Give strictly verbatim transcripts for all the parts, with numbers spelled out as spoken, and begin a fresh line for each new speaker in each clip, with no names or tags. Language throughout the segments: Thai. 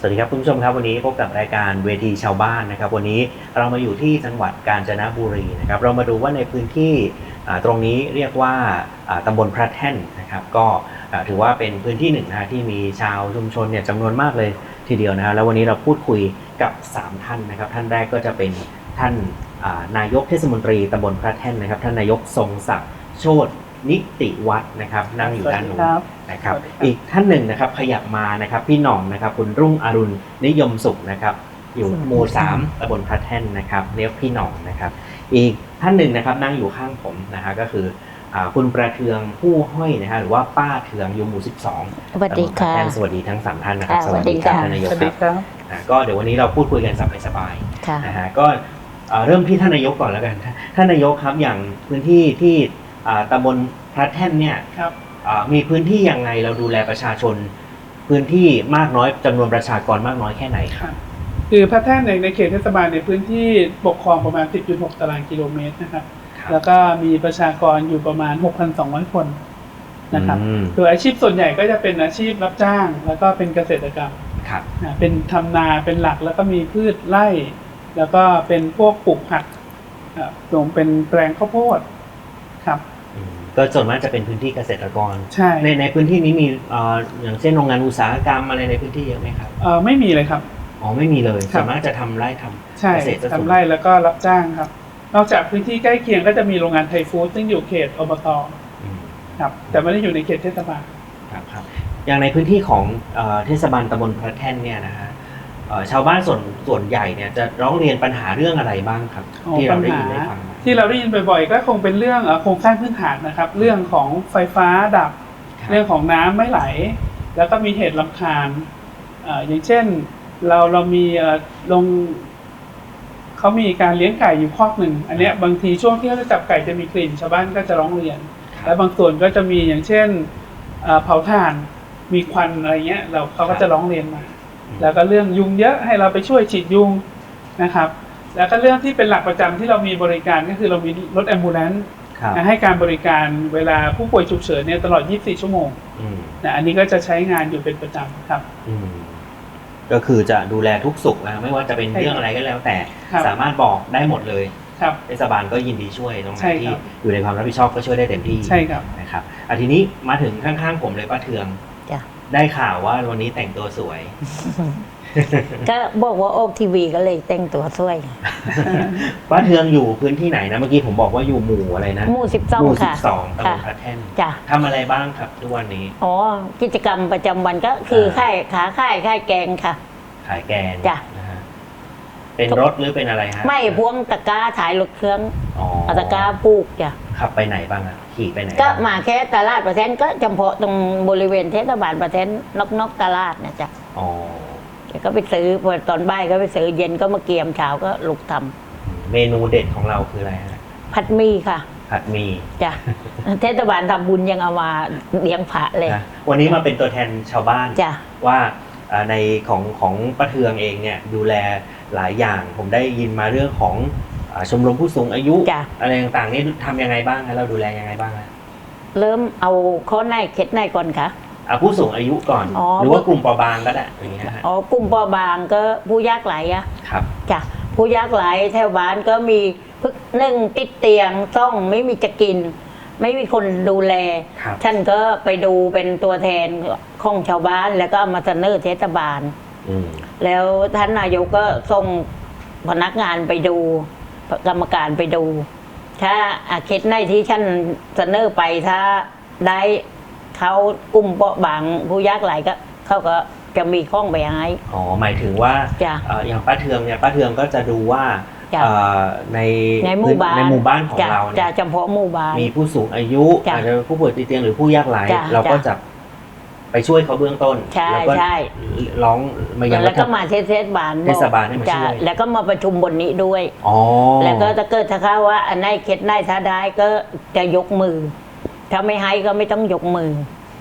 สวัสดีครับคุณผู้ชมครับวันนี้พบกับรายการเวทีชาวบ้านนะครับวันนี้เรามาอยู่ที่จังหวัดกาญจนบุรีนะครับเรามาดูว่าในพื้นที่ตรงนี้เรียกว่าตำบลพระแท่นนะครับก็ถือว่าเป็นพื้นที่หนึ่งนะที่มีชาวชุมชนเนี่ยจำนวนมากเลยทีเดียวนะแล้ววันนี้เราพูดคุยกับสามท่านนะครับท่านแรกก็จะเป็นท่านนายกเทศมนตรีตำบลพระแท่นนะครับท่านนายกทรงศักดิ์โชตินิติวัฒน์นะครับนั่งอยู่ด้านนู้นนะครับอีกท่านหนึ่งนะครับขยับมานะครับพี่หน่องนะครับคุณรุ่งอรุณนิยมสุขนะครับอยู่หมู่สามตำบลพระแท่นนะครับเรียกพี่หน่องนะครับอีกท่านหนึ่งนะครับนั่งอยู่ข้างผมนะฮะก็คือคุณประเทืองผู้ห้อยนะฮะหรือว่าป้าเทืองอยู่หมู่สิบสอง
สวัสดีค่ะ
สวัสดีทั้งสามท่านนะครับ
สวัสดีค่ะ
ท่านนายกครับก็เดี๋ยววันนี้เราพูดคุยกันสบายๆนะฮะก็เริ่มที่ท่านนายกก่อนแล้วกันท่านนายกครับอย่างพื้นที่ที่ตำบลพระแท่นเนี่ยมีพื้นที่ยังไงเราดูแลประชาชนพื้นที่มากน้อยจำนวนประชากรมากน้อยแค่ไหนครับ
คือพระแท่นในในเขตเทศบาลในพื้นที่ปกครองประมาณ สิบจุดหก ตารางกิโลเมตรนะครับแล้วก็มีประชากรอยู่ประมาณ หกพันสองร้อย คนนะครับโดยอาชีพส่วนใหญ่ก็จะเป็นอาชีพรับจ้างแล้วก็เป็นเกษตรกรรมเป็นทำนาเป็นหลักแล้วก็มีพืชไร่แล้วก็เป็นพวกปลูกผักรวมเป็นแปลงข้าวโพดครับ
ก็ส่วนมากจะเป็นพื้นที่เกษตรกร
ใช่
ในในพื้นที่นี้มีอย่างเช่นโรงงานอุตสาหกรรมอะไรในพื้นที่เยอะไหมครับ
เออไม่มีเลยครับ
อ๋อไม่มีเลยส่วนมากจะทำไร่ทำเกษตร
ทำไร่แล้วก็รับจ้างครับนอกจากพื้นที่ใกล้เคียงก็จะมีโรงงานไทยฟู้ดซึ่งอยู่เขตอบต.ครับแต่ไม่ได้อยู่ในเขตเทศบาล
ครับครับอย่างในพื้นที่ของเทศบาลตำบลพระแท่นเนี่ยนะฮะชาวบ้านส่วนส่วนใหญ่เนี่ยจะร้องเรียนปัญหาเรื่องอะไรบ้างครับที่เราได้ยินได้ฟัง
ที่เราได้ยินบ่อยๆก็คงเป็นเรื่องโครงสร้างพื้นฐานนะครับเรื่องของไฟฟ้าดับเรื่องของน้ำไม่ไหลแล้วก็มีเหตุรำคาญอย่างเช่นเราเรามีลงเขามีการเลี้ยงไก่อยู่คอกหนึ่งอันนี้บางทีช่วงที่เขาจะจับไก่จะมีกลิ่นชาวบ้านก็จะร้องเรียนและบางส่วนก็จะมีอย่างเช่นเผาถ่านมีควันอะไรเงี้ยเราเขาก็จะร้องเรียนมาแล้วก็เรื่องยุงเยอะให้เราไปช่วยฉีดยุงนะครับแล้วก็เรื่องที่เป็นหลักประจำที่เรามีบริการก็คือเรามีรถแอมบูเลนซ์ให้การบริการเวลาผู้ป่วยฉุกเฉินเนี่ยตลอดยี่สิบสี่ชั่วโมงนะอันนี้ก็จะใช้งานอยู่เป็นประจำครับ
ก็คือจะดูแลทุกสุขนะไม่ว่าจะเป็นเรื่องอะไรก็แล้วแต่สามารถบอกได้หมดเลยเทศบาลก็ยินดีช่วยตรงไหนที่อยู่ในความรับผิดชอบก็ช่วยได้เต็มที่
ใช่ครับ
นะครับอ่ะทีนี้มาถึงข้างๆผมเลยป้าเทืองได้ข่าวว่าวันนี้แต่งตัวสวย
ก็บอกว่าโอ๊กทีวีก็เลยแต่งตัวสวย
ป้าเทืองอยู่พื้นที่ไหนนะเมื่อกี้ผมบอกว่าอยู่หมู่อะไรนะ
หมู่สิบสอง
หมู่สิ
บ
สองตำบลพระแท่นทำอะไรบ้างครับทุกวันนี้
อ๋อกิจกรรมประจำวันก็คือขายขาขายขายแกงค่ะ
ขายแกง
จ้ะ
เป็นรถหรือเป็นอะไรฮะ
ไม่พวงตะกร้าถ่ายรถเครื่องอ๋อตะกร้าปลูกจ้ะ
ขับไปไหนบ้างอ่ะขี่ไปไหน
ก็มาแค่ตลาดประแทนก็เฉพาะตรงบริเวณเทศบาลประแทนนอกนอกตลาดนะจ๊ะอ๋อก็ไปซื้อพอตอนบ่ายก็ไปซื้อเย็นก็มาเกียมเช้าก็ลุกทำ
เมนูเด็ดของเราคืออะไรฮะ
ผัดหมี่ค่ะ
ผัดหมี่
จ้ะเทศบาลทำบุญยังเอามาเลี้ยงพระเลย
วันนี้มาเป็นตัวแทนชาวบ้าน
จ้ะ
ว่าในของของป้าเทืองเองเนี่ยดูแลหลายอย่างผมได้ยินมาเรื่องของชมรมผู้สูงอายุอะไรต่างๆนี่ทำยังไงบ้างเราดูแลยังไงบ้าง
เริ่มเอาข้อในเคล็ดในก่อนค่ะ
ผู้สูงอายุก่อนหรือว่ากลุ่มเปราะบางก็ได้อย่างเงี้ย
อ๋อกลุ่มเปราะบางก็ผู้ยากไร้อะ
ครับ
จ้ะผู้ยากไร้แถวบ้านก็มีพึกหนึ่งติดเตียงต้องไม่มีจะกินไม่มีคนดูแลท่านก็ไปดูเป็นตัวแทนของชาวบ้านแล้วก็มาเสนอเทศบาลแล้วท่านนายกก็ส่งพนักงานไปดูกรรมการไปดูถ้าอาเคสในที่ท่านเสนอไปถ้าได้เขากลุ่มเปราะบางผู้ยากไร้ก็เขาก็จะมีข้องไปให้
อ๋อหมายถึงว่าอย่างป้าเทืองเนี่ยป้าเทืองก็จะดูว่าใน
ในหมู่บ้าน
ในหมู่บ้านของเรา
จะเฉพาะหมู่บ้าน
มีผู้สูงอายุอาจจะผู้ป่วยติดเตียงหรือผู้ยากไร้เราก็จะไปช่วยเขาเบื้องต้น
แล้วก็
ร้อง
มาอย่างแล้วก็มาเทศบาล
เทศบาลให้มาช่วย
แล้วก็มาประชุมบนนี้ด้วยแล้วก็ถ้าเกิดถ้าเขาว่าอันไหนเคล็ดไหนถ้าได้ก็จะยกมือถ้าไม่ให้ก็ไม่ต้องยกมือ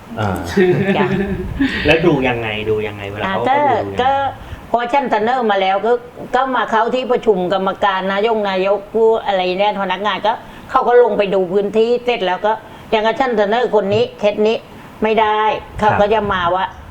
แล้วดูยังไงดูยังไงเวลาเขา
ก็พอชั้นเสนอมาแล้วก็ก็มาเข้าที่ประชุมกรรมการนายกนายกผู้อะไรเนี่ยพนักงานก็เขาก็ลงไปดูพื้นที่เสร็จแล้วก็อย่างชั้นเสนอคนนี้เคสนี้ไม่ได้เขาก็จะมาว่า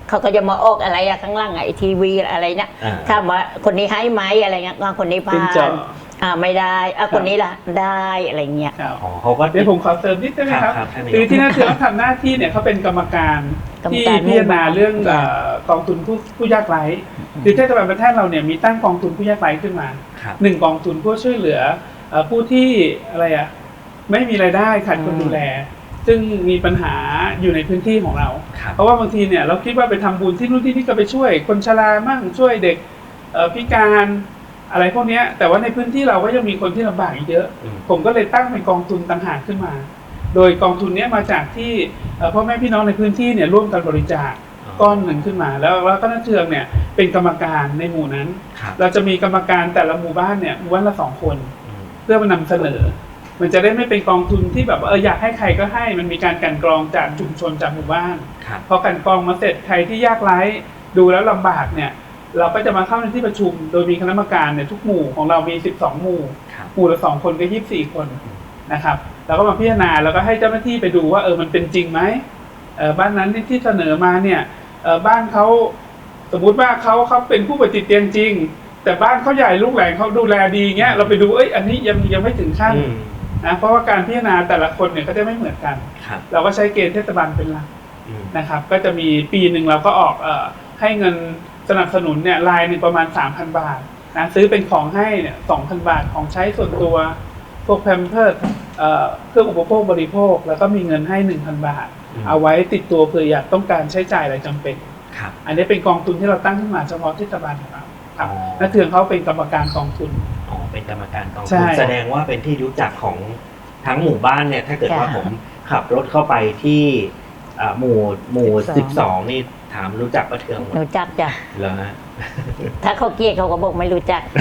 เขาก็จะมาออกอะไรอะข้างล่างอะไอทีวีอะไรเนี่ยถามว่าคนนี้ให้ไหมอะไรเงี้ยว่าคนนี้ผ่า
เป็น
น
จอ
อ่าไม่ได้อ่ะคนนี้ล่ะได้อะไรเงี้ย
ครับ
อ๋อเขาก็
เดี๋ยวผมขอเสริมนิดได้ไหมครับ
ครับท่านนายก
คือที่น่าเชื่อว่าทำหน้าที่เนี่ยเขาเป็นกรรมการ
กรรม
ที่
การ
พิจารณาเรื่อง
หมู่
เอ่
บ้าน
อกองทุนผู้ผู้ยากไร้คือเทศบาลประเทศเราเนี่ยมีตั้งกองทุนผู้ยากไร้ขึ้นมา
ครับ
หนึ่งกองทุนเพื่อช่วยเหลือเอ่อผู้ที่อะไรอ่ะไม่มีรายได้ขาดคนดูแล ซึ่งมีปัญหาอยู่ในพื้นที่ของเรา
ครับ
เพราะว่าบางทีเนี่ยเราคิดว่าไปทำบุญที่นู่นที่นี่ก็ไปช่วยคนชรามั่งช่วยเด็กเอ่อพิการอะไรพวกเนี้ยแต่ว่าในพื้นที่เราก็ยังมีคนที่ลำบากอีกเยอะ
อืม
ผมก็เลยตั้งเป็นกองทุนต่างหากขึ้นมา โดยกองทุนเนี้ยมาจากที่เอ่อพ่อแม่พี่น้องในพื้นที่เนี่ยร่วมกันบริจาคก้อนหนึ่งขึ้นมา แล้วแล้วก็นักเทืองเนี่ยเป็นกรรมการในหมู่นั้น
ครับ
เราจะมีกรรมการแต่ละหมู่บ้านเนี่ยหมู่บ้านละสองคน
อืม
เพื่อมานำเสนอ มันจะได้ไม่เป็นกองทุนที่แบบว่าเอออยากให้ใครก็ให้มันมีการกลั่นกรองจากชุมชนจากหมู่บ้าน
ครับ
พอกลั่นกรองมาเสร็จใครที่ยากไร้ดูแล้วลำบากเนี่ยเราก็จะมาเข้าในที่ประชุม โดยมีคณะกรรมการเนี่ยทุกหมู่ของเรามีสิบสองหมู่
ครับ
หมู่ละสองคนก็ยี่สิบสี่คนนะครับแล้วก็มาพิจารณาแล้วก็ให้เจ้าหน้าที่ไปดูว่าเออมันเป็นจริงไหมเออบ้านนั้นที่ที่เสนอมาเนี่ยเออบ้านเขาสมมุติว่าเขาเขาเป็นผู้ป่วยติดเตียงจริง แต่บ้านเขาใหญ่ลูกหลานเขาดูแลดีเงี้ยเราไปดูเอ้ยอันนี้ยังยังไม่ถึงขั้น
อืม
นะเพราะว่าการพิจารณาแต่ละคนเนี่ยก็จะไม่เหมือนกัน
ครับ
เราก็ใช้เกณฑ์เทศบาลเป็นหลัก
อืม
นะครับก็จะมีปีหนึ่งเราก็ออกเอ่อให้เงินสนับสนุนเนี่ยรายหนึ่งประมาณ สามพัน บาทนะซื้อเป็นของให้เนี่ย สองพัน บาทของใช้ส่วนตัวพวกแพมเพิร์สเอ่อเครื่องอุปโภคบริโภคแล้วก็มีเงินให้ หนึ่งพัน บาท
อืม
เอาไว้ติดตัวเผื่ออยากต้องการใช้จ่ายอะไรจำเป็น
ครับ
อันนี้เป็นกองทุนที่เราตั้งขึ้นมาเฉพาะเทศบาลของเราครับ
อ๋อ
นักเทืองเขาเป็นกรรมการกองทุน
อ๋อเป็นกรรมการกอง
ใช่
ทุนแสดงว่าเป็นที่รู้จักของทั้งหมู่บ้านเนี่ยถ้าเกิดว่า
ค่ะ
ผมขับรถเข้าไปที่อ่าหมู่หมู่
สิ
สิบบ
ส
ส
อ
อง งนี่ถามรู้จักป้าเทืองหมด
รู้จักจ้ะ
เหรอฮะ
ถ้าเขาเกลียดเขาก็บอกไม่รู้จัก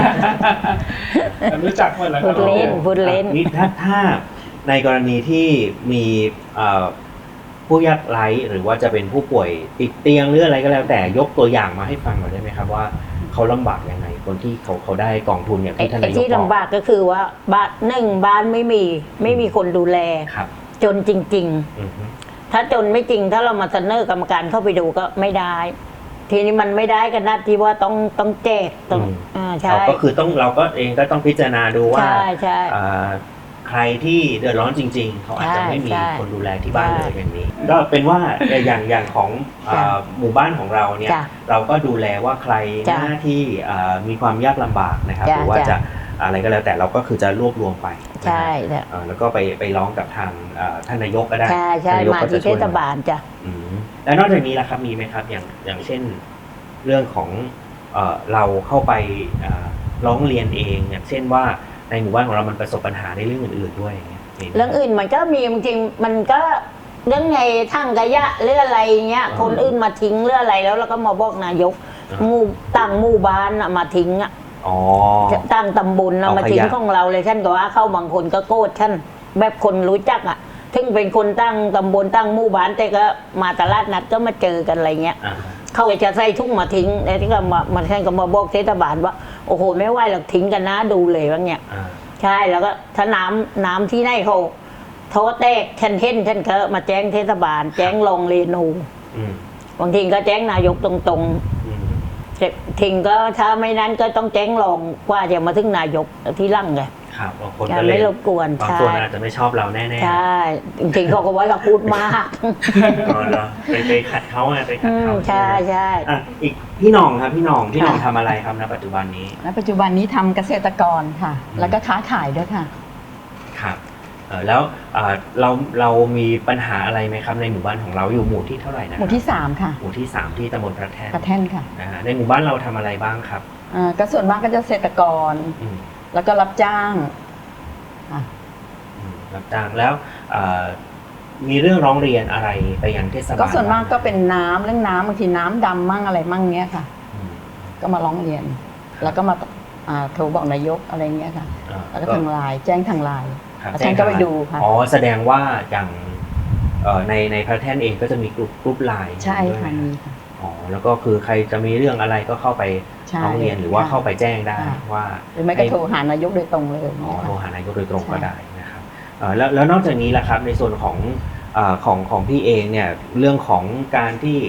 รู้จักหมดแล้วค
พู
รับ
ดเล่น พูดเล่น
นี่ถ้าถ้าในกรณีที่มีเอ่อผู้ยากไร้หรือว่าจะเป็นผู้ป่วยติดเตียงหรืออะไรก็แล้วแต่ยกตัวอย่างมาให้ฟังหน่อยได้ไหมครับว่าเขาลำบากยังไงคนที่เขาเขาได้กองทุนอย่าง
ไอ้
ที่ท่าน
ไอ้
นายก
ที่
บอก
ลำบากก็คือว่าบ้านหนึ่งบ้านไม่มีไม่มีคนดูแล
ครับ
จนจริง
อือฮึ
ๆ ถ้าจนไม่จริงถ้าเรามาเสนอกรรมการเข้าไปดูก็ไม่ได้ ทีนี้มันไม่ได้กันนะที่ว่าต้องต้องแจกต้องอ่าใช่
เราก็คือต้องเราก็เองก็ต้องพิจารณาดูว่า
ใช่ใช่
อ่าใครที่เดือดร้อนจริง ๆ เขาอาจจะไม่มี
ใช่
คนดูแลที่บ้าน
ใช่
เลยอย่างนี้ ก็เป็นว่าอย่างอย่างของอ่า
จ้ะ
หมู่บ้านของเราเนี่ย
จ้ะ
เราก็ดูแลว่าใคร
จ้ะ
หน้าที่อ่ามีความยากลำบากนะครับ
จ้ะ
หรือว่า
จ้ะ
จะอะไรก็แล้วแต่เราก็คือจะรวบรวมไปนะฮะ
ใช่จ้ะ
อ่าแล้วก็ไปไปร้องกับทางอ่าท่านนายกก็ได้
ใช่ใช่
ท่นนยก
มา
ก็จะ
ที่เท
ช่วย
ศบาลจ้ะ
อืมแล้วนอกจากนี้ล่ะครับมีไหมครับอย่างอย่างเช่นเรื่องของเอ่อเราเข้าไปอ่าร้องเรียนเองอย่างเช่นว่าในหมู่บ้านของเรามันประสบปัญหาในเรื่องอื่นๆด้วยอย่างเงี้ยมีไหม
เรื่องอื่นมันก็มีจริงๆมันก็เรื่องไงทั้งกะยะเรื่องอะไรเงี้ย
อ่า
คนอื่นมาทิ้งเรื่องอะไรแล้วเราก็มาบอกนายก
อ่า
หมู่ต่างหมู่บ้านน่ะมาทิ้งอ่ะ
อ๋อ
ต่างตำบลน่ะ
เอา
มาทิ้ง
ขยะ
ของเราเลยท่านก็ว่าเข้าบางคนก็โกรธท่านแบบคนรู้จักอ่ะถึงเป็นคนตั้งตำบลตั้งหมู่บ้านแต่ก็มาตลาดนัดก็มาเจอกันอะไรเงี้ย
อ่า
เขาก็จะใส่ทุ่งมาทิ้งแล้วที่ก็มามาท่านก็มาบอกเทศบาลว่าโอ้โหไม่ไหวหรอกทิ้งกันนะดูเลยว่าเงี้ย
อ่า
ใช่แล้วก็ถ้าน้ำน้ำที่ไหนเขาโทษแตกฉันเห็นฉันก็มาแจ้งเทศบาล แจ้งรองเรนู
อืม
บางทีก็แจ้งนายกตรง
อืม
ๆทิ้งก็ถ้าไม่นั้นก็ต้องแจ้งรองว่าจะมาถึงนายกที่รั่งไง
ครับบางคน
จะ
ก็เลย
ไม่รบกวน
บาง
ใช่
คนอาจจะไม่ชอบเราแน่ๆ
ใช่จริงๆเขาก็ว่าเราพูดมาก
อ๋อเหรอไปไปขัดเขาไงไปขัด
อืม
เขา
ใช่ใช่
อ่ะอีกพี่หน้องครับพี่หน้องพี่หน้อง
ค่ะ
ทำอะไรครับณปัจจุบันนี้
ณปัจจุบันนี้ทำเกษตรกรค่ะ
อืม
แล้วก็ค้าขายด้วยค่ะ
ครับเอ่อแล้วเอ่อเราเรามีปัญหาอะไรไหมครับในหมู่บ้านของเราอยู่หมู่ที่เท่าไหร่นะ
หมู่ที่สามค่ะ
หมู่ที่สามที่ตำบลพระแท่น
กระแท่นค่ะ
นะฮะในหมู่บ้านเราทำอะไรบ้างครับ
อ่าก็ส่วนมากก็จะเกษตรกร
อืม
แล้วก็รับจ้างค่ะ
อืมรับจ้างแล้วเอ่อมีเรื่องร้องเรียนอะไรไปยังเทศบาล
ก็ส่วนมากก็
บ้งไห
เป็นน้ำเรื่องน้ำบางทีน้ำดำมั่งอะไรมั่งเงี้ยค่ะ
อืม
ก็มาร้องเรียน แล้วก็มาอ่าโทรบอกนายกอะไรเงี้ยค่ะ
อ่า
แล้วก็ทางไลน์แจ้งทางไลน์
ครับ
แล้วท่านก็ไปดูค่ะ
อ๋อแสดงว่าอย่างเอ่อในในพระแท่นเองก็จะมีกลุ่มกลุ่มไลน์
ใช่
ด้วย
ค่ะ
ไหม
มีค่ะ
อ๋อแล้วก็คือใครจะมีเรื่องอะไรก็เข้าไป
ใช่
ร้องเรียนหรือว่า
ค่ะ
เข้าไปแจ้งได้
ค่ะ
ว่า
หรือไม่ก็โทรหานายกโดยตรงเลย
อ๋อ
เนี่ย
โทร
ค่ะ
หานายกโดยตรง
ใช่
ก็ได้นะครับเอ่อแล้วแล้วนอกจากนี้ล่ะครับในส่วนของเอ่อของของพี่เองเนี่ยเรื่องของการที่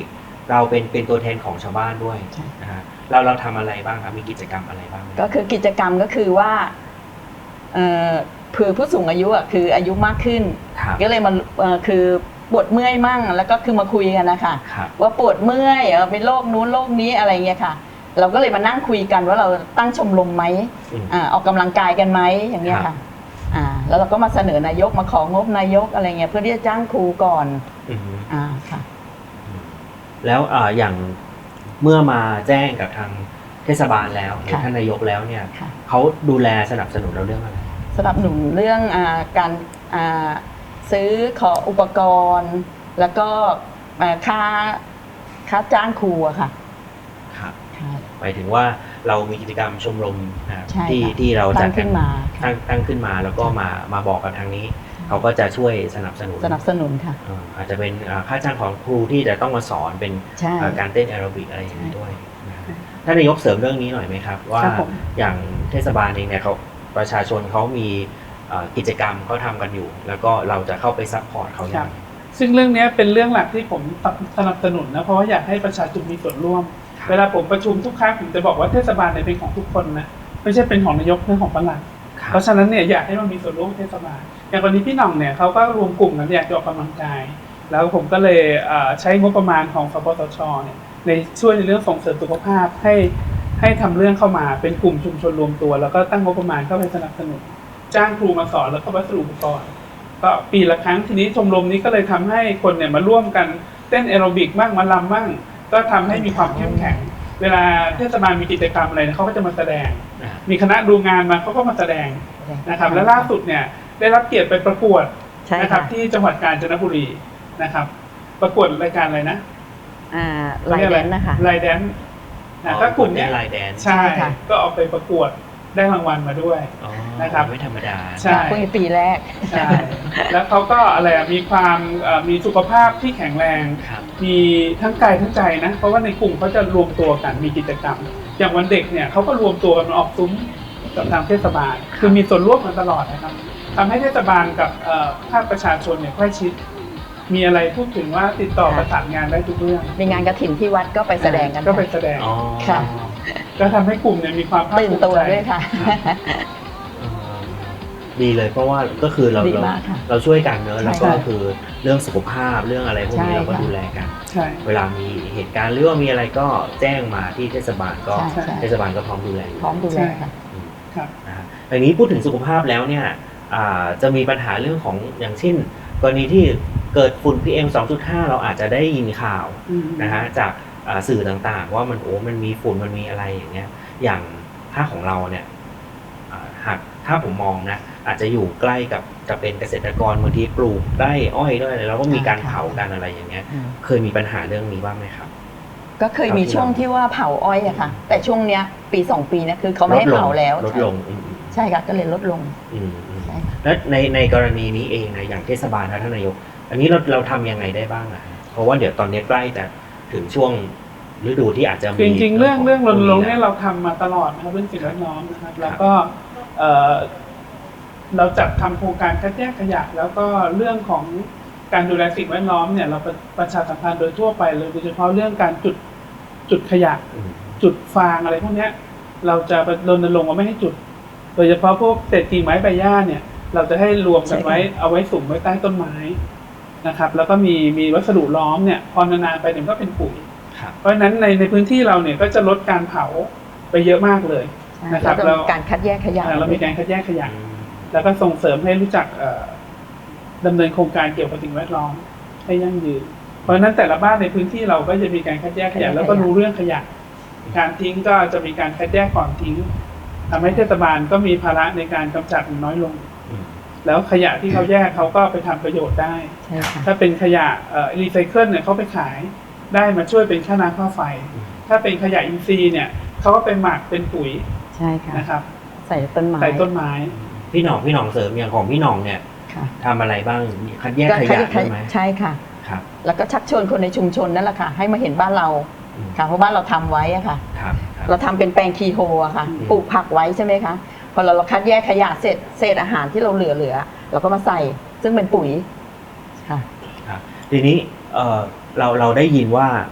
เราเป็นเป็นตัวแทนของชาวบ้านด้วย
ใช่
นะฮะเราเราทำอะไรบ้างครับมีกิจกรรมอะไรบ้างไหม
ก็คือกิจกรรมก็คือว่าเอ่อเผื่อผู้สูงอายุอ่ะคืออายุมากขึ้น
ครับ
ก็เลยมาเอ่อคือปวดเมื่อยมั่งแล้วก็คือมาคุยกันนะคะ
ครับ
ว่าปวดเมื่อยเออเป็นโรคนู้นโรคนี้อะไรเงี้ยค่ะ เราก็เลยมานั่งคุยกันว่าเราตั้งชมรมไหม
อืม
อ่าออกกำลังกายกันไหมอย่างเงี้ย
ครั
ค่ะ
บ
อ่าแล้วเราก็มาเสนอนายกมาของบนายกอะไรเงี้ยเพื่อที่จะจ้างครูก่อน
อืม
อ่าค่ะ
แล้วอ่าอย่างเมื่อมาแจ้งกับทางเทศบาลแล้วหรือ
ค่ะ
ท่านนายกแล้วเนี่ย
ค่ะ
เขาดูแลสนับสนุนเราเรื่องอะไร
สนับสนุนเรื่องอาการอ่าซื้อขออุปกรณ์ แล้วก็อ่าค่าค่าจ้างครูอะค่ะ
ครับ
ค่ะ
หมายถึงว่าเรามีกิจกรรมชมรมนะครับ
ใช่
ที่
ค่ะ
ที่เรา
ตั้
จัด
งขึ้นมาค่ะ
ตั้งตั้งขึ้นมาแล้วก็มามาบอกกับทางนี้ เขาก็จะช่วยสนับสนุน
สนับสนุนค่ะ
อ่าอาจจะเป็นอ่าค่าจ้างของครูที่จะต้องมาสอนเป็น
ใช่
อ่าการเต้นแอโรบิกอะไรอย่างนี้ด้วยนะครับท่านนายกเสริมเรื่องนี้หน่อยไหมครับ ว่า
ครับผม
อย่างเทศบาลเองเนี่ยเขาประชาชนเขามีอ่ากิจกรรมเขาทำกันอยู่ แล้วก็เราจะเข้าไปซัพพอร์ตเขาอย่างไร
ซึ่งเรื่องนี้เป็นเรื่องหลักที่ผมสนับสนุนนะเพราะว่าอยากให้ประชาชนมีส่วนร่วม
ครับ
เวลาผมประชุมทุกครั้งผมจะบอกว่าเทศบาลเนี่ยเป็นของทุกคนนะไม่ใช่เป็นของนายกเป็นของปลัด
ครับ
เพราะฉะนั้นเนี่ยอยากให้มันมีส่วนร่วมเทศบาลอย่างวันนี้พี่หน่องเนี่ยเขาก็รวมกลุ่มกันอยากจะออกกำลังกาย แล้วผมก็เลยเอ่อใช้งบประมาณของสปสชเนี่ยในช่วยในเรื่องส่งเสริมสุขภาพให้ให้ทำเรื่องเข้ามาเป็นกลุ่มชุมชนรวมตัว แล้วก็ตั้งงบประมาณเข้าไปสนับสนุนจ้างครูมาสอนแล้วก็วัสดุอุปกรณ์ก็ปีละครั้งทีนี้ชมรมนี้ก็เลยทำให้คนเนี่ยมาร่วมกันเต้นแอโรบิกบ้างมาลำบ้างก็ทำให้มีความเข้มแข็ง เวลาเทศบาลมีกิจกรรมอะไรเนี่ยเขาก็จะมาแสดง
อ่า
มีคณะดูงานมาเขาก็มาแสดงนะครับ และล่าสุดเนี่ยได้รับเกียรติไปประกวด
ใช่
นะครับ
ค่ะ
ที่จังหวัดกาญจนบุรีนะครับ ประกวดรายการอะไรนะ
อ่าไลน์แดนนะคะ
ไลแดนนะก็กลุ่มเนี้ย
ลายแดน
ใช่
ค่ะ
ก็เอาไปประกวดได้รางวัลมาด้วย
อ๋อ
นะครับ
ไม่ธรรมดา
ใช่
เพิ่งปีแรก
ใช่แล้วเขาก็อะไรอะมีความเอ่อมีสุขภาพที่แข็งแรง
ครับ
มีทั้งกายทั้งใจนะเพราะว่าในกลุ่มเขาจะรวมตัวกันมีกิจกรรม อย่างวันเด็กเนี่ยเขาก็รวมตัวกันมาออกซุ้มกับทางเทศบาล คือมีส่วนร่วมกันตลอดนะครับทำให้เทศบาลกับเอ่อภาคประชาชนเนี่ยใกล้ชิด มีอะไรพูดถึงว่าติดต่อ
ค่ะ
ประสานงานได้ทุกเรื่อง
มีงานกฐินที่วัดก็ไปแสดงกัน
ก็ไป
ค่ะ
แสดง
อ๋อ
ค่ะ
ก็ทำให้กลุ่มเนี่ยมีความภาค
ตื่น
ภูมิ
ตัว
ใจ
ด้วยค่ะ
เออดีเลยเพราะว่าก็คือเรา
ดี
เรา
มากค่ะ
เราช่วยกันเนอะ
ใช่
แล้วก็
ค่ะ
คือเรื่องสุขภาพเรื่องอะไรพวกนี้
ใช่
เราก็
ค่ะ
ดูแลกัน
ใช่
เวลามีเหตุการณ์หรือว่ามีอะไรก็แจ้งมาที่เทศบาลก็
ใช่ใช่
เทศบาลก็พร้อมดูแลอยู่
พร้อมดูแลค่ะ
อืม
ครับ
นะฮะอันนี้พูดถึงสุขภาพแล้วเนี่ยอ่าจะมีปัญหาเรื่องของอย่างเช่นกรณีที่เกิดฝุ่น พี เอ็ม สองจุดห้า เราอาจจะได้ยินข่าว
อืม
นะฮะจากอ่าสื่อต่างๆ ว่ามันโอ้มันมีฝุ่นมันมีอะไรอย่างเงี้ยอย่างถ้าของเราเนี่ยอ่าหากถ้าผมมองนะอาจจะอยู่ใกล้กับจะเป็นเกษตรกรบางทีปลูกได้อ้อยด้วยแล้วก็มีการ
ค่ะ
เผากันอะไรอย่างเงี้ย
อืม
เคยมีปัญหาเรื่องนี้บ้างไหมครับ
ก็เคยมีช่วงที่ว่าเผาอ้อยอะค่ะ แต่ช่วงเนี้ยปีสองปีเนี่ยคือเขาไม่ให้เผาแล้ว
ลดลงอืม
ใช่ค่ะก็เลยลดลง
อืมอืม
ใช่ค่ะ
แล้วในในกรณีนี้เองนะอย่างเทศบาลและท่านนายก อันนี้เราเราทำยังไงได้บ้างอะเพราะว่าเดี๋ยวตอนนี้ใกล้แต่ถึงช่วงฤดูที่อาจจะ
คือ
มี
จริงๆเรื่องเรื่องรณรงค์เนี่ย
แล้
เราทำมาตลอดนะครับเรื่องสิ่งแวดล้อมนะครับ แล้วก็เอ่อเราจัดทำโครงการคัดแยกขยะ แล้วก็เรื่องของการดูแลสิ่งแวดล้อมเนี่ยเราประประชาสัมพันธ์โดยทั่วไปเลยโดยเฉพาะเรื่องการจุดจุดขยะ
อืม
จุดฟางอะไรพวกเนี้ยเราจะรณรงค์ว่าไม่ให้จุด โดยเฉพาะพวกเศษกิ่งไม้ใบหญ้าเนี่ยเราจะให้รวมกันไว้เอาไว้สุมไว้ใต้ต้นไม้นะครับ แล้วก็มีมีวัสดุล้อมเนี่ยพอนานๆไปเนี่ยก็เป็นปุ๋ย
ครับ
เพราะฉะนั้นในในพื้นที่เราเนี่ยก็จะลดการเผาไปเยอะมากเลย นะครับ
แล้วก็
เรา
การคัดแยกขยะ
อ่าเรามีการคัดแยกขยะ
อืม
แล้วก็ส่งเสริมให้รู้จักเอ่อดำเนินโครงการเกี่ยวกับสิ่งแวดล้อมให้ยั่งยืน เพราะฉะนั้นแต่ละบ้านในพื้นที่เราก็จะมีการคัดแยกขยะ แล้วก็รู้เรื่องขยะ การทิ้งก็จะมีการคัดแยกก่อนทิ้งทำให้เทศบาลก็มีภาระในการกำจัดน้อยลง
อืม
แล้วขยะที่เขาแยกเขาก็ไปทำประโยชน์ได้
ใช่ค่ะ
ถ้าเป็นขยะเอ่อรีไซเคิลเนี่ยเขาไปขายได้มาช่วยเป็นค่าน้ำค่าไฟ ถ้าเป็นขยะอินทรีย์เนี่ยเขาก็ไปหมักเป็นปุ๋ย
ใช่ค่ะ
นะครับ
ใส่ต้นไม้
ใส่ต้นไม้
พี่หน่องพี่หน่องเสริมอย่างของพี่หน่องเนี่ย
ค่ะ
ทำอะไรบ้างคัดแยกขยะใช่ไหม
ใช่ค่ะ
ครับ
แล้วก็ชักชวนคนในชุมชนนั่นแหละค่ะ ให้มาเห็นบ้านเรา
อืม
ค่ะเพราะบ้านเราทำไว้อะค่ะ
ครับครับ
เราทำเป็นแปลงคีโฮอะค่ะ
อืม
ปลูกผักไว้ใช่ไหมคะพอเราเราคัดแยกขยะเศษเศษอาหารที่เราเหลือเหลือเราก็มาใส่ซึ่งเป็นปุ๋ยค่ะ
ครับทีนี้เอ่อเราเราได้ยินว่า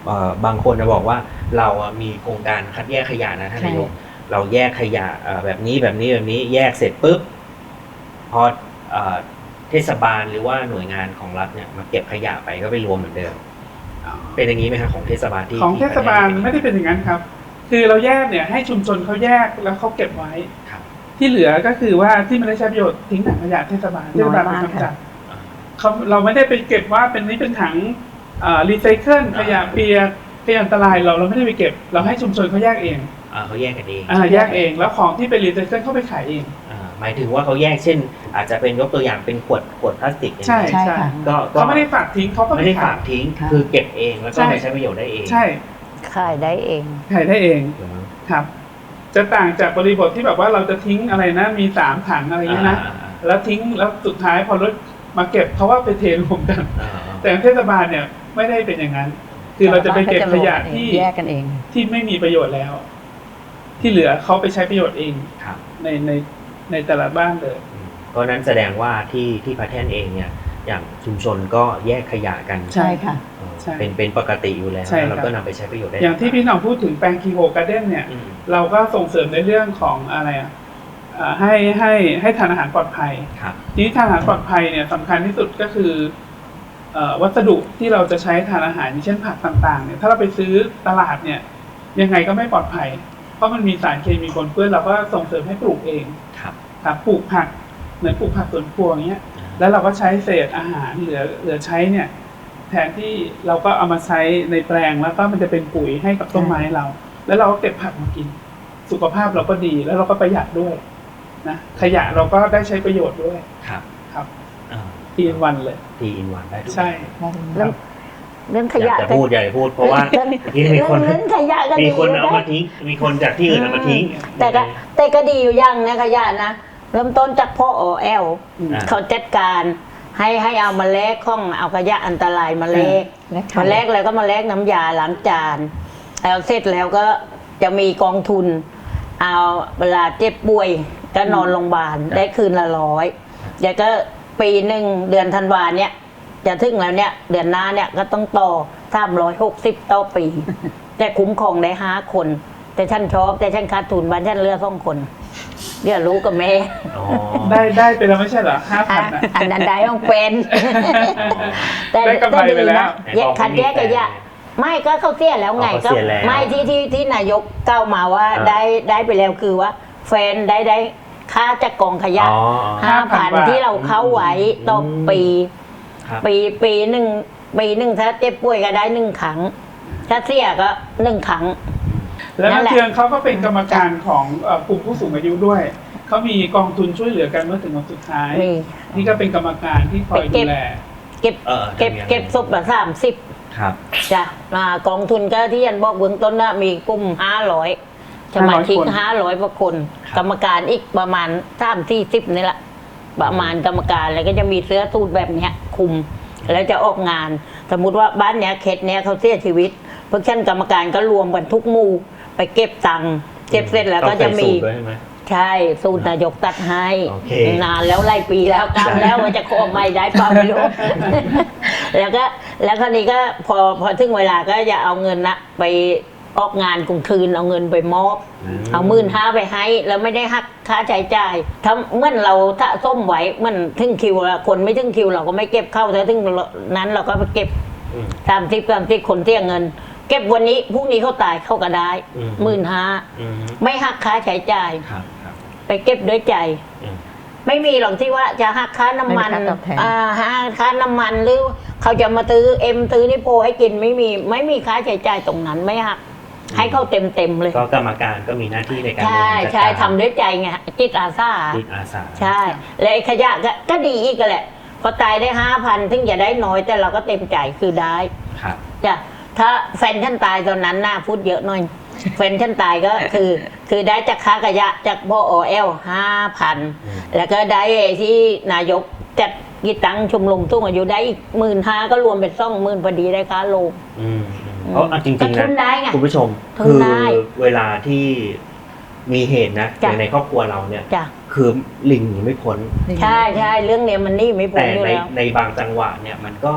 เอ่อบางคนจะบอกว่าเราอ่ะมีโครงการคัดแยกขยะนะท่านนายกเราแยกขยะเอ่อแบบนี้แบบนี้แบบนี้แยกเสร็จปุ๊บพอเอ่อเทศบาลหรือว่าหน่วยงานของรัฐเนี่ยมาเก็บขยะไปก็ไปรวมเหมือนเดิมเป็นอย่างนี้ไหมครับของเทศบาลที่
ของเทศบาล
ที่
ไม่ได้เป็นอย่างนั้นครับ คือเราแยกเนี่ยให้ชุมชนเขาแยกแล้วเขาเก็บไว้
ครับ
ที่เหลือก็คือว่าที่ไม่ได้ใช้ประโยชน์ทิ้งถังขยะเทศบาลเทศบาลเป็นคนกำจัดเขาเราไม่ได้ไปเก็บว่าเป็นนี้เป็นถังรีไซเคิลขยะเปียกขยะอันตรายเราเราไม่ได้ไปเก็บเราให้ชุมชนเขาแยกเอง
อ่าเขาแยกกันเอง
อ่าแยกเองแล้วของที่เป็นรีไซเคิลเขาไปขายเอง
อ่าหมายถึงว่าเขาแยกเช่น อาจจะเป็นยกตัวอย่างเป็นขวดขวดพลาสติกอย่าง
ใช่
นี้
ใช่
ใช่
ค่ะ
ก็ก็
เขาไม่ได้ฝากทิ้งเขาก็
ไม่ได้
ข
ฝาย กทิ้งคือเก็บเองแล้วก็ไปใช้ประโยชน์ได้เอง
ใช่
ขายได้เอง
ขายได้เอง
เหรอ
ครับ จะต่างจากบริบทที่แบบว่าเราจะทิ้งอะไรนะมีสามถังอะไรอย่างเงี้ยนะ
อ่าอ่า
แล้วทิ้งแล้วสุดท้ายพอรถมาเก็บเขาว่าไปเทรวมกัน
อ่าอ่า
แต่เทศบาลเนี่ยไม่ได้เป็นอย่างนั้น คือเราจะไปเก็บขยะที่
แยกกันเอง
ที่ไม่มีประโยชน์แล้ว ที่เหลือเขาไปใช้ประโยชน์เอง
ครับ
ในในในแต่ละบ้านเลย
เพราะฉะนั้นแสดงว่าที่ที่พระแท่นเองเนี่ยอย่างชุมชนก็แยกขยะกัน
ใช่ค่ะ
เออ
ใช่
เป็นเป็นปกติอยู่แล้ว
ใช่ครับ
แล้วก็นำไปใช้ประโยชน์ได้
อย่างที่พี่หน้องพูดถึงแปลงคีโฮการ์เด้นเนี่ย
อืม
เราก็ส่งเสริมในเรื่องของอะไรอ่ะอ่าให้ให้ให้ทานอาหารปลอดภัย
ครับ
ทีนี้ทานอาหารปลอดภัยเนี่ยสำคัญที่สุดก็คือเอ่อวัสดุที่เราจะใช้ทานอาหารอย่างเช่นผักต่างๆเนี่ยถ้าเราไปซื้อตลาดเนี่ยยังไงก็ไม่ปลอดภัย เพราะมันมีสารเคมีปนเปื้อนเราก็ส่งเสริมให้ปลูกเอง
ครับ
ครับปลูกผักเหมือนปลูกผักสวนครัวอย่างเงี้ยแล้วเราก็ใช้เศษอาหารเหลือเหลือใช้เนี่ยแทนที่เราก็เอามาใช้ในแปลงแล้วก็มันจะเป็นปุ๋ยให้กับต้นไม้เรา แล้วเราก็เก็บผักมากิน สุขภาพเราก็ดีแล้วเราก็ประหยัดด้วยนะขยะเราก็ได้ใช้ประโยชน์ด้วย
ครับ
ครับ
อ่า
ทีนวันเลย
ทีอินวันได้ทุก
ใช่
เรื่องเรื่องข
อยาย
ะ
กจะพูดอยากจะพูดเพราะว่า
เรื่อง
ที่มีคน
เรื่องขยะก็
มี
ดี
คน
อยู่
เอา
นะ
มาทิ้งมีคนจากที่อื่นเอามาทิ้ง
แต่ก็แต่ก็ดีอยู่อย่างนะขยะนะเริ่มต้นจากพ่ออแอล
อ่า
เขาจัดการให้ให้เอามาแลกข้องเอาขยะอันตรายมาแลก
แลกไข่
มาแลกแล้วก็มาแลกน้ำยาล้างจานแล้วเสร็จแล้วก็จะมีกองทุน เอาเวลาเจ็บป่วยก็นอนโรงพยาบาลได้คืนละร้อยแล้วก็ปีหนึ่งเดือนธันวาเนี่ยจะถึงแล้วเนี่ยเดือนหน้าเนี่ยก็ต้องต่อสามร้อยหกสิบต่อปี แต่คุ้มครองได้ห้าคน แต่ฉันชอบแต่ฉันขาดทุนบ้านฉันเหลือสองคนเดี๋ยวรู้กับแม่
อ๋อ
ได้ได้ไปแล้วไม่ใช่เหรอห้าพัน
อ่ะ
อ่ะ
อันนั้นได้ต้องเป็น แต่
ได้กำไรไปแล้ว
แยกคัดแยกขยะไม่ก็เขาเสียแล้วไง
อ๋อ
ก็
เขาเสียแล้ว
ไม่ที่ที่ที่นายกเก้าวมาว่า
อ่า
ได้ได้ไปแล้วคือว่า แฟนได้ได้ค่าจากกองขยะ
อ๋อ
ห้าพัน
บาท
ที่เราเข้าไว้ต่ออ
ม
ปี
ครับ
ปีปีหนึ่งปีหนึ่งถ้าเจ็บป่วยก็ได้หนึ่งครั้ง ถ้าเสียก็หนึ่งครั้ง
แล้ว
นั่
นัก
นแหละ
เทืองเขาก็เป็นกรรมการของเอ่อกลุ่มผู้สูงอายุด้วย เขามีกองทุนช่วยเหลือกันเมื่อถึงวันสุดท้าย
มี
นี่ก็เป็นกรรมการที่คอย
ไปเก็
ดู
บ
แล
เก็บ
เออ
เก็บ
ทำยังไง
เก็บศพละสามสิบ
ครับ
จ้ะมากองทุนก็ที่ยันบอกเบื้องต้นนะมีกลุ่มห้าร้อยสมาชิกห้าร้อยกว่าคน กรรมการอีกประมาณสามสี่สิบนี่แหละประมาณกรรมการแล้วก็จะมีเสื้อสูทแบบเนี้ยคุม แล้วจะออกงาน สมมุติว่าบ้านเนี้ยเขตเนี้ยเขาเสียชีวิตพวกชั้นกรรมการก็รวมกันทุกหมู่ไปเก็บตังค์เก็บเสร็จแล้วก็จะมี
ต้องใส่สูตรด้วยใช่ไหม
ใช่สูตรนายกตัดให้
โอเคน
านแล้วไล่ปีแล้วกำแล้วว่าจะขอไม่ได้เปล่าไม่รู้ แล้วก็แล้วคราวนี้ก็พอพอถึงเวลาก็จะเอาเงินนะไปออกงานกลางคืนเอาเงินไปมอบ เอาหมื่นห้าไปให้แล้วไม่ได้หักค่าใช้จ่ายถ้าเมื่อเราถ้าส้มไหวมันถึงคิวแล้วคนไม่ถึงคิวเราก็ไม่เก็บเข้าถ้าถึงนั้นเราก็ไปเก็บ
อืม
สามสิบสามสิบคนเที่ยงเงิน เก็บวันนี้พรุ่งนี้เขาตายเข้าก็ได้
อืม
หมื่นห้า
อืม
ไม่หักค่าใช้จ่าย
ครับครับ
ไปเก็บด้วยใจ
อืม
ไม่มีหรอกที่ว่าจะหักค่าน้ำมัน
ไม่มีค่าตอบแทน
อ่าหักค่าน้ำมันหรือเขาจะมาซื้อเอ็มซื้อนิโพให้กินไม่มีไม่มีค่าใช้จ่ายตรงนั้นไม่หักให้เขาเต็มเต็มๆเลย
ก็กรรมการก็มีหน้าที่ในการ
ใช่
บริหารจัด
ใช่
การ
ทำด้วยใจไงจิตอาสา
จิตอาสา
ใช่และไอ้ขยะก็ก็ดีอีกแหละ พอตายได้ห้าพันถึงจะได้น้อยแต่เราก็เต็มใจคือได้
ครับ
จ้ะถ้าแฟนฉันตายตอนนั้นน่าพูดเยอะหน่อย แฟนฉันตายก็คือ คือได้จากค่าขยะจากพ่อโอเอลห้าพัน
อืม
แล้วก็ได้ที่นายกจัดกีตังชมรมตุ้งอายุได้อีกหมื่นห้าก็รวมเป็นสองหมื่นพอดีได้ค่าโลง
อืมอืมเพราะเอาจริง
ก็
ๆ
ทุ
นะ
นได้ไง
คุณผู้ชม
ทุน
คือ
ได้
เวลาที่มีเหตุนะ
จ้ะ
ในครอบครัวเราเนี่ย
จ้ะ
คือลิงหนีไม่พ้น
ใช่ใช่เรื่องเนี้ยมันนี่ไม่พ้
แต่
นอยู่
ใน
แล้ว
ในบางจังหวะเนี่ยมันก็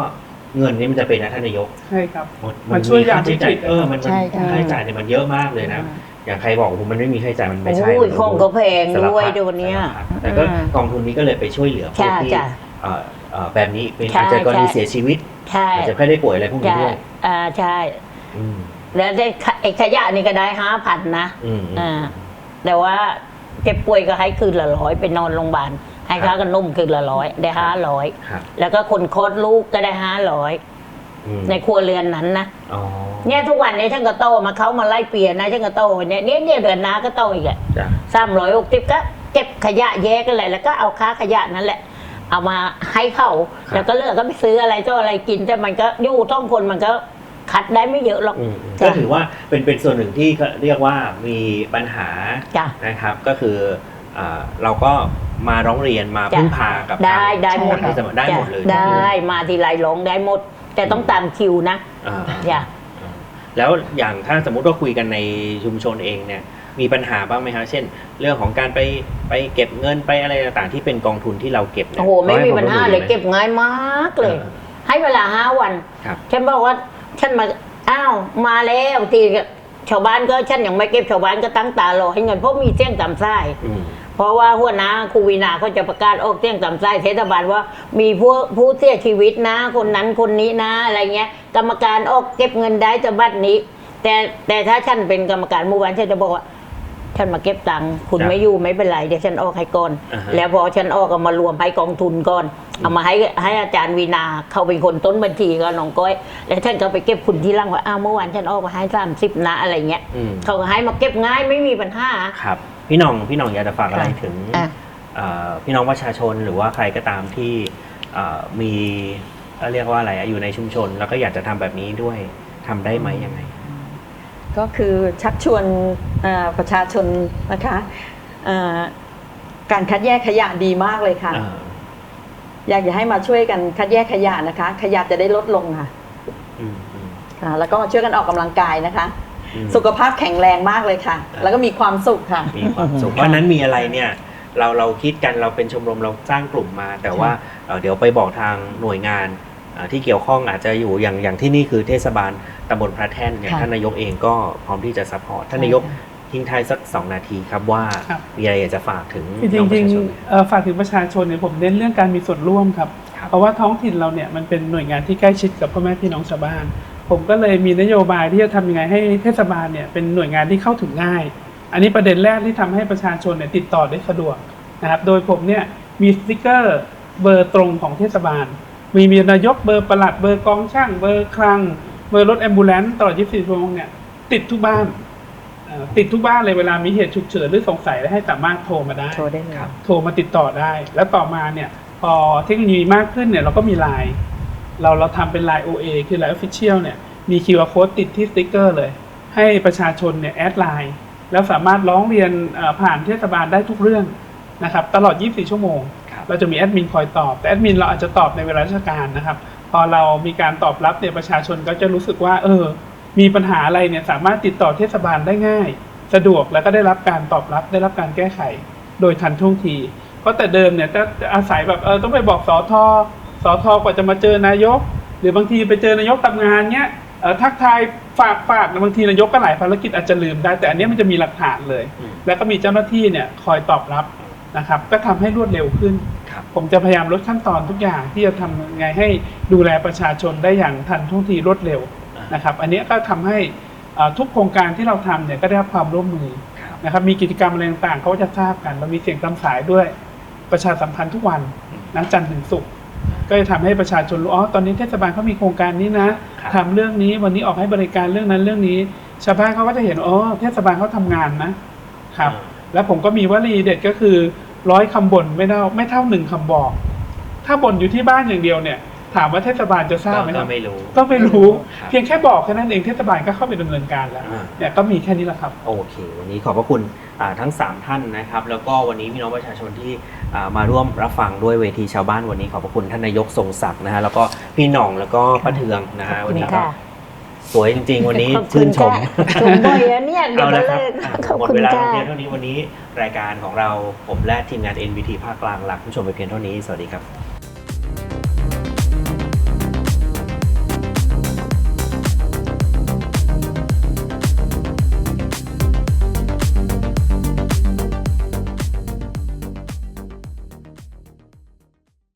เงินนี่มันจะเป็นนะท่านนายก
ใช่ครับ
หมด
มันช่วยยาม
ค่าใช้จ่าย
วิกฤต
เออมันมัน
ใช่ค่ะ
ค่าใช้จ่ายเนี่ยมันเยอะมากเลยนะอย่างใครบอกว่ามันไม่มีค่าใช้จ่ายมันไม่ใช่
โอ้ย
มัน
ของก็แพง
สารพั
ด้วยเดี๋ยวนี้
สารพัดแต่ก็
อืม
กองทุนนี้ก็เลยไปช่วยเหลือผู้
ใช่
ที่
จ้ะ
เอ่อเอ่อแบบนี้เป็น
ใช่
อาจจะกรณี
ใช่
เสียชีวิต
ใช่
อาจจะแค่ได้ป่วยอะไรพวกนี้
ใช่
ด้วย
อ่าใช่
อืม
แล้วได้ขะไอ้ขยะนี่ก็ได้ห้าพันนะ
อืมอืม
อ่าแต่ว่าเจ็บป่วยก็ให้คืนละร้อยไปนอนโรงพยาบาลให้ค่ากันนุ่มคืนละร้อยได้ห้าร้อย
ครับ
แล้วก็คนคลอดลูกก็ได้ห้าร้อย
อืม
ในครัวเรือนนั้นนะ
อ๋อ
เนี่ยทุกวันนี้ฉันก็โตมาเขามาไล่เปลี่ยนนะฉันก็โตเนี่ยเนี่ยเนี่ยเดือนหน้าก็โตอีกอะ
จ้ะ
สามร้อยหกสิบก็เก็บขยะแยกกันเลยแล้วก็เอาค่าขยะนั่นแหละ เอามาให้เขาแล้วก็เลือกก็ไปซื้ออะไรก็อะไรกินแต่มันก็อยู่ต้องคนมันก็คัดได้ไม่เยอะหรอก
อืมอืม
จ้ะ
ก็ถือว่าเป็นเป็นส่วนหนึ่งที่เรียกว่ามีปัญหา
จ้ะ
นะครับ ก็คืออ่าเราก็มาร้องเรียนมา
จ้ะ
พึ่งพากับ
ได้
ทาง
ได้หมด
ทางเทศบาลได้หมดเลย
ได้มาทีไรร้องได้หมด แต่ต้องตามคิวนะ
อ่า
จ้ะ
แล้วอย่างถ้าสมมุติว่าคุยกันในชุมชนเองเนี่ยมีปัญหาบ้างไหมครับเช่น เรื่องของการไปไปเก็บเงินไปอะไรต่างๆที่เป็นกองทุนที่เราเก็บเนี่ย
โอ้โหไม่มีปัญหาเลย
ข
เก็บง่ายมากเลย
เออ
ให้เวลาห้าวัน
ครับ
ฉันบอกว่าฉันมาอ้าวมาแล้วทีก็ชาวบ้านก็ฉันยังไม่เก็บชาวบ้านก็ตั้งตารอให้เงินเพราะมีเสี้ยงตามไส้
อืม
เพราะว่าหัวหน้าครูวีนาเขาจะประกาศออกเสียงตามไส้เทศบาลว่ามีผู้ผู้เสียชีวิตนะ คนนั้นคนนี้นะอะไรเงี้ย กรรมการออกเก็บเงินได้จะบัดนี้ แต่แต่ถ้าฉันเป็นกรรมการหมู่บ้านฉันจะบอกว่าฉันมาเก็บตังค์คุณ
ครับ
ไม่อยู่ไม่เป็นไรเดี๋ยวฉันออกให้ก่อน
อ่าฮะ
แล้วพอฉันออกเอามารวมให้กองทุนก่อนเอามาให้ให้อาจารย์วีนาเขาเป็นคนต้นบัญชีก็น้องก้อยแล้วฉันก็ไปเก็บคุณที่ร่างว่าอ้าวเมื่อวานฉันออกมาให้สามสิบนะอะไรเงี้ย
อืม
เขาก็ให้มาเก็บง่ายไม่มีปัญหา
ครับพี่หน้องพี่หน้องอยากจะฝากอะไร
ค่ะ
ถึง
อ่ะ
เอ่อพี่น้องประชาชนหรือว่าใครก็ตามที่เอ่อมีเอ่อเรียกว่าอะไรอะอยู่ในชุมชน แล้วก็อยากจะทำแบบนี้ด้วยทำได้ไหมยังไง
ก็คือชักชวนเอ่อประชาชนนะคะเอ่อการคัดแยกขยะดีมากเลยค่ะ
เออ
อยากจะให้มาช่วยกันคัดแยกขยะนะคะ ขยะจะได้ลดลงค่ะ
อืมอืม
ค่ะแล้วก็ช่วยกันออกกำลังกายนะคะ
อืม
สุขภาพแข็งแรงมากเลยค่ะ แล้วก็มีความสุขค่ะ
มีความสุขเพราะฉะนั้นมีอะไรเนี่ยเราเราคิดกันเราเป็นชมรมเราสร้างกลุ่มมา แต่ว่าเอ่อเดี๋ยวไปบอกทางหน่วยงานเอ่อที่เกี่ยวข้องอาจจะอยู่อย่างอย่างที่นี่คือเทศบาลตำบลพระแท่นอย่าง
ค่ะ
ท่านนายกเองก็พร้อมที่จะซัพพอร์ตท่านนายกทิ้งท้ายสักสองนาทีครับว่า
ครับ
มีอะไรอยากจะฝากถึง
จริง
น้อง
ๆ
ประชาชน
เอ่อฝากถึงประชาชนเนี่ยผมเน้นเรื่องการมีส่วนร่วมครับ
ครับ
เพราะว่าท้องถิ่นเราเนี่ยมันเป็นหน่วยงานที่ใกล้ชิดกับพ่อแม่พี่น้องชาวบ้าน ผมก็เลยมีนโยบายที่จะทำยังไงให้เทศบาลเนี่ยเป็นหน่วยงานที่เข้าถึงง่าย อันนี้ประเด็นแรกที่ทำให้ประชาชนเนี่ยติดต่อได้สะดวกนะครับโดยผมเนี่ยมีสติกเกอร์เบอร์ตรงของเทศบาล มีมีนายกเบอร์ปลัดเบอร์กองช่างเบอร์คลังเบอร์รถแอมบูเลนซ์ตลอดยี่สิบสี่ชั่วโมงเนี่ยติดทุกบ้านเอ่อติดทุกบ้านเลยเวลามีเหตุฉุกเฉินหรือสงสัยแล้วให้สามารถโทรมาได้
โชว์ได้เลย
ครับ
โทรมาติดต่อได้ แล้วต่อมาเนี่ยพอเทคโนโลยีมากขึ้นเนี่ยเราก็มีไลน์เราเราทำเป็น ไลน์ โอ เอ คือ ไลน์ Official เนี่ยมี คิว อาร์ Code ติดที่สติ๊กเกอร์เลย ให้ประชาชนเนี่ยแอดไลน์แล้วสามารถร้องเรียนเอ่อผ่านเทศบาลได้ทุกเรื่องนะครับตลอดยี่สิบสี่ชั่วโมง
ครับ
เราจะมีแอดมินคอยตอบแต่แอดมินเราอาจจะตอบในเวลาราชการนะครับพอเรามีการตอบรับเนี่ยประชาชนก็จะรู้สึกว่าเออมีปัญหาอะไรเนี่ยสามารถติดต่อเทศบาลได้ง่าย สะดวกแล้วก็ได้รับการตอบรับได้รับการแก้ไขโดยทันท่วงที เพราะแต่เดิมเนี่ยจะอาศัยแบบเออต้องไปบอกสอทอสอทอกว่าจะมาเจอนายก หรือบางทีไปเจอนายกทำงานเนี้ยเออทักทายฝากฝากบางทีนายกก็หลายภารกิจอาจจะลืมได้แต่อันเนี้ยมันจะมีหลักฐานเลย
อืม
แล้วก็มีเจ้าหน้าที่เนี่ยคอยตอบรับนะครับก็ทำให้รวดเร็วขึ้น
ครับ
ผมจะพยายามลดขั้นตอนทุกอย่างที่จะทำยังไงให้ดูแลประชาชนได้อย่างทันท่วงทีรวดเร็วนะครับอันเนี้ยก็ทำให้เอ่อทุกโครงการที่เราทำเนี่ยก็ได้รับความร่วมมือ
ครับ
นะครับมีกิจกรรมอะไรต่างๆเขาก็จะทราบกันเรามีเสียงตามสายด้วยประชาสัมพันธ์ทุกวันนัจันทร์ถึงศุกร์ก็จะทำให้ประชาชนรู้อ๋อตอนนี้เทศบาลเขามีโครงการนี้นะครับ ทำเรื่องนี้วันนี้ออกให้บริการเรื่องนั้นเรื่องนี้ ชาวบ้านเขาก็จะเห็นอ๋อเทศบาลเขาทำงานนะครับแล้วผมก็มีวลีเด็ดก็คือร้อยคำบ่นไม่เท่าไม่เท่าหนึ่งคำบอก ถ้าบ่นอยู่ที่บ้านอย่างเดียวเนี่ยถามว่าเทศบาลจะทราบไหมค
ก็
รับ
ไม่รู้
ก็ไม่รู้
ครับ
เพียงแค่บอกแค่นั้นเองเทศบาลก็เข้าไปดำเนินการแล้ว
อ่า
เนี่ยก็มีแค่นี้แหละครับ
โอเค วันนี้ขอบพระคุณอ่าทั้งสามท่านนะครับ แล้วก็วันนี้พี่น้องประชาชนที่อ่ามาร่วมรับฟังด้วยเวทีชาวบ้านวันนี้ขอบพระคุณท่านนายกทรงศักดิ์นะฮะแล้วก็พี่หน่องแล้วก็ป้าเทืองนะฮะ
ขอบ
วั
คุ
น
ณ
นี้ก็
ค่ะ
สวยจริง ๆ วันนี้
ขอบคุ
ชื่
ณ
นชม
ค่ะชมบ่อยอะเนี่ยเดี๋ย
เอา
ว
ละ
มา
ครับ
เลย
อ่ะ
ขอบ
หมด
คุณ
เวลา
ค่ะ
เพียงเท่านี้วันนี้รายการของเราผมและทีมงาน เอ็น บี ที ภาคกลางลาคุณผู้ชมไปเพียงเท่านี้สวัสดีครับ